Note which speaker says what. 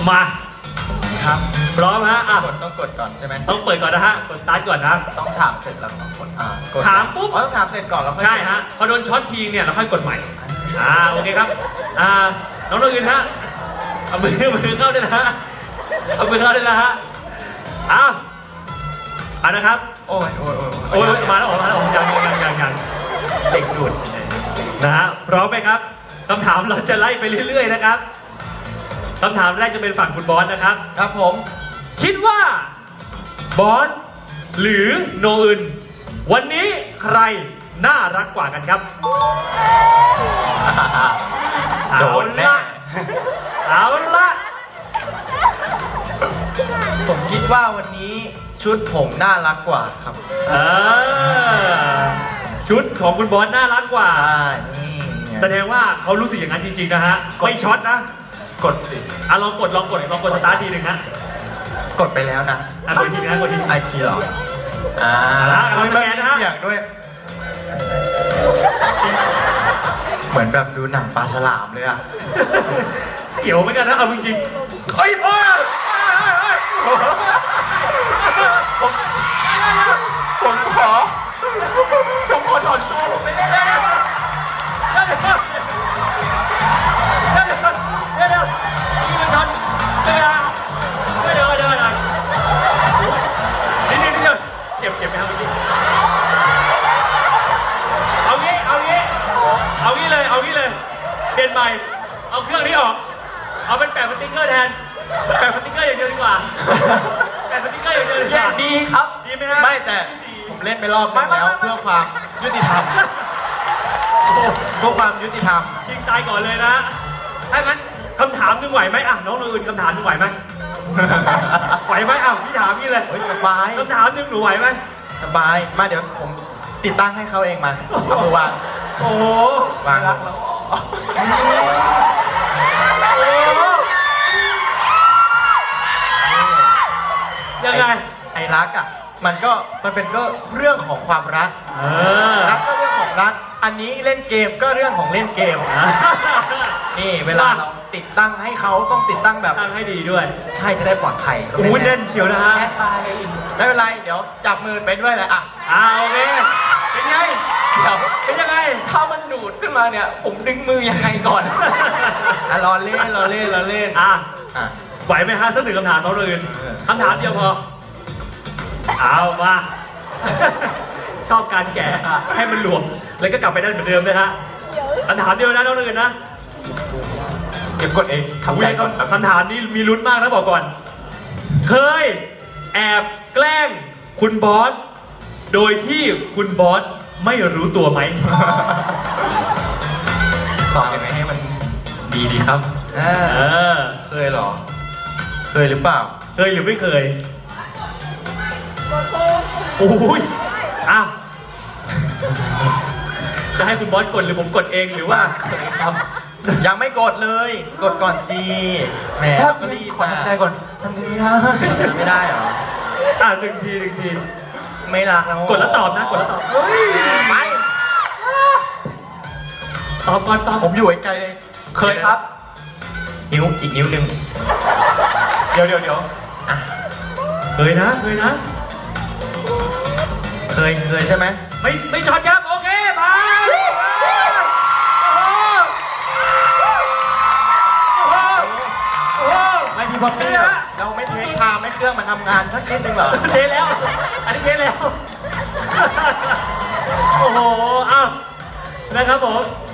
Speaker 1: มา
Speaker 2: ครับ
Speaker 1: พร้อมฮะ
Speaker 2: ต้องกดก่อนใช่ไหม
Speaker 1: ต้องเปิดก่อนนะฮะกดสตาร์ทก่อนนะ
Speaker 2: ต้องถามเสร็จแล้วต้องกด
Speaker 1: ถามปุ๊บ
Speaker 2: ต้องถามเสร็จก่อนแล้วค่อย
Speaker 1: ใช่ฮะพอโดนช็อตทีเนี่ยเราค่อยกดใหม่โอเคครับน้องอื่นฮะเอามือเข้าได้นะฮะเอามือเข้าได้นะฮะนะครับ
Speaker 2: โอ้ย
Speaker 1: มาแล้วยัง
Speaker 2: เด็กดูด
Speaker 1: นะฮะพร้อมไหมครับคำถามเราจะไล่ไปเรื่อยๆนะครับคำถามแรกจะเป็นฝั่งคุณบอสนะครับ
Speaker 2: ครับผม
Speaker 1: คิดว่าบอสหรือโนอึนวันนี้ใครน่ารักกว่ากันครับ
Speaker 2: โดนแน่
Speaker 1: เอาละ
Speaker 2: ผมคิดว่าวันนี้ชุดผมน่ารักกว่าครับ
Speaker 1: ชุดของคุณบอสน่ารักกว่า
Speaker 2: นี่
Speaker 1: แสดงว่าเขารู้สึกอย่างนั้นจริงๆนะฮะไม่ช็อตนะ
Speaker 2: กดสิ
Speaker 1: ลองกดสตาร์ททีหนึ่งฮะ
Speaker 2: กดไปแล้วนะ
Speaker 1: กดทีนะกดที
Speaker 2: ไอทีหรอ
Speaker 1: เราสแกนนะฮะ
Speaker 2: เสียงด้วยเหมือนแบบดูหนังปลาฉลามเลยอะ
Speaker 1: เสียวเหมือนกันนะเอาจริงๆเฮ้ย
Speaker 2: ผมขอถอนตัวผมไม่ได้แล้ว
Speaker 1: เจ็บไหมครับเมื่อกี้เอางี้เลยเปลี่ยนใหม่เอาเครื่องนี้ออกเอาเป็นแปะสติ๊กเกอร์แทนแปะสติ๊กเกอร์อย่างเดียวดีกว่าแปะสติ๊กเกอร์อย่างเดียว
Speaker 2: ดีครับ
Speaker 1: ดีไหมฮะ
Speaker 2: ไม่แต่ผมเล่นไปรอบนึงแล้วเพื่อความยุติธรรม
Speaker 1: ชิงตายก่อนเลยนะถ้างั้นคำถามนึงไหวไหมน้องอื่นคำถามนึงไหวไหมไหวไหมพี่ถามพี่เลย
Speaker 2: สบาย
Speaker 1: คำถามนึงหนูไหวไหม
Speaker 2: สบายมาเดี๋ยวผมติดตั้งให้เขาเองมาเอามือวาง
Speaker 1: โอ้
Speaker 2: วางแล้ว
Speaker 1: ยังไง
Speaker 2: ไอ้รักอ่ะมันเป็นก็เรื่องของความรักรักก็เรื่องของรักอันนี้เล่นเกมก็เรื่องของเล่นเกมนี่เวลาเราติดตั้งให้เขาต้องติดตั้งแบบ
Speaker 1: ตั้งให้ดีด้วย
Speaker 2: ใช่จะได้ปลอดภัย
Speaker 1: เล่นเชียวนะฮะ
Speaker 2: ไม่เป็นไรเดี๋ยวจับมือไปด้วยเลย
Speaker 1: โอเคเป็นไงเป็นยังไง
Speaker 2: ถ้ามันดูดขึ้นมาเนี่ยผมดึงมือยังไงก่อนรอเล่น
Speaker 1: ไหวไหมฮะสักหนึ่งคำถามน้องอื่นคำถามเดียวพอเอามาชอบการแกะให้มันหลวมแล้วก็กลับไปได้เหมือนเดิมเลยฮะคำถามเดียวนะน้องอื่นนะ
Speaker 2: เก็บกดเอง
Speaker 1: คำถามนี้มีลุ้นมากนะบอกก่อนเคยแอบแกล้งคุณบอสโดยที่คุณบอสไม่รู้ตัวไหม
Speaker 2: ตอบยังไงให้มันดีครับเคยหรอเคยหรือเปล่า
Speaker 1: เคยหรือไม่เคยโอ้ยจะให้คุณบอสกดหรือผมกดเองหรือว่า
Speaker 2: เคยครับยังไม่กดเลยกดก่อนสิแหมก็รีบมา
Speaker 1: ใจก่อนทำ
Speaker 2: ไม่ได้เหรอ
Speaker 1: หนึ่งที
Speaker 2: ไม่รักแล้ว
Speaker 1: กดแล้วตอบนะกดแล้วตอบ
Speaker 2: ไม่
Speaker 1: ตอบก่อน
Speaker 2: ผมอยู่ไกลเลยเคยครับนิ้วอีกนิ้วหนึ่งเดี๋ยว
Speaker 1: เคยนะ
Speaker 2: เคยใช่ไหม
Speaker 1: ไม่ช็อตครับโอเคมา
Speaker 2: ไม่พี่บอกเลยเราไม่เทคทามไม่เครื่องมันทำงานสักนิดนึงเหรอ
Speaker 1: เทแล้วอันนี้เทแล้วโอ้โหนะครับผม